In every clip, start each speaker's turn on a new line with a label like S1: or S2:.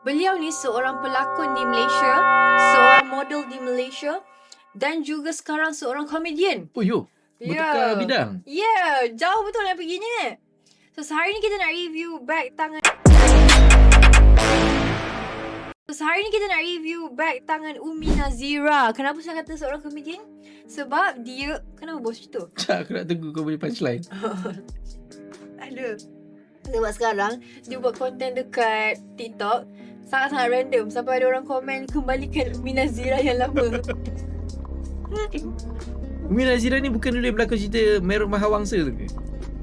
S1: Beliau ni seorang pelakon di Malaysia, seorang model di Malaysia dan juga sekarang seorang komedian.
S2: Oh yo, bertukar bidang.
S1: Ya, jauh betul yang perginya. So sehari ni kita nak review bag tangan Umi Nazira. Kenapa saya kata seorang komedian? Sebab dia, kenapa bos itu?
S2: Aku nak tunggu kau punya punchline.
S1: Ada. Sebab sekarang dia buat konten dekat TikTok sangat-sangat random sampai ada orang komen kembalikan Umi Nazira yang lama.
S2: Umi Nazira ni bukan dulu yang berlakon cerita Meruk Mahawangsa tu ke?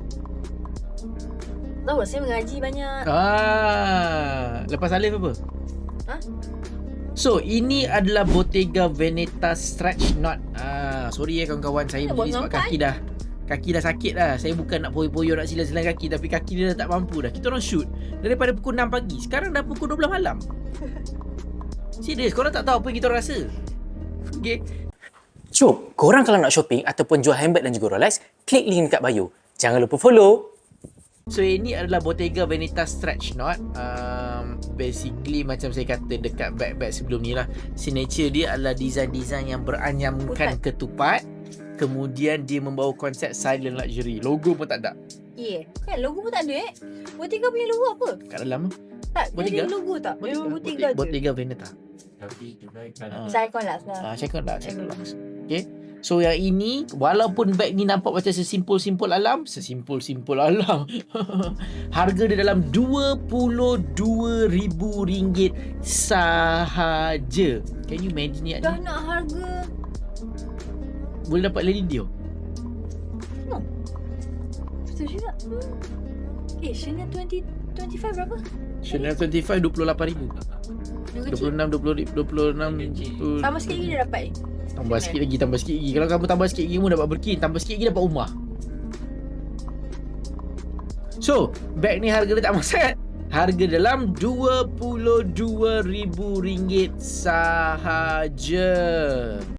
S1: Tahu saya mengaji banyak.
S2: Lepas Alif apa?
S1: Ha?
S2: So, ini adalah Bottega Veneta Stretch Knot. Sorry kawan-kawan, saya berdiri sebab kaki dah sakit dah. Saya bukan nak poyo-poyo nak silang-silang kaki, tapi kaki dia dah tak mampu dah. Kita orang shoot daripada pukul 6 pagi. Sekarang dah pukul 12 malam. Serius, korang tak tahu apa yang kita orang rasa. Okay.
S3: Jom, korang kalau nak shopping ataupun jual handbag dan juga Rolex, klik link dekat bio. Jangan lupa follow.
S2: So ini adalah Bottega Veneta Stretch Knot. Basically macam saya kata dekat bag-bag sebelum ni lah, signature dia adalah design-design yang beranyamkan ketupat. Kemudian dia membawa konsep silent luxury. Logo pun tak ada.
S1: Kan logo pun tak ada Bottega punya logo apa?
S2: Kat dalam
S1: Tak,
S2: Bottega?
S1: dia ada logo tak? Memang Bottega je.
S2: Bottega Veneta.
S1: Saya Lux lah.
S2: Check out Lux. Okay. So yang ini, walaupun bag ni nampak macam sesimpul-simpul alam, harga dia dalam RM22,000 sahaja. Can you imagine ni?
S1: Dah nak harga
S2: Boleh dapat Lady Dio.
S1: betul juga. Chanel 25 berapa?
S2: Chanel 25 RM28,000. 26
S1: Tambah sikit lagi dia dapat ni.
S2: Tambah sikit lagi. Kalau kamu tambah sikit lagi, kamu dapat Birkin. Tambah sikit lagi dapat rumah. So, bag ni harga dia tak sangat. Harga dalam RM22,000 sahaja.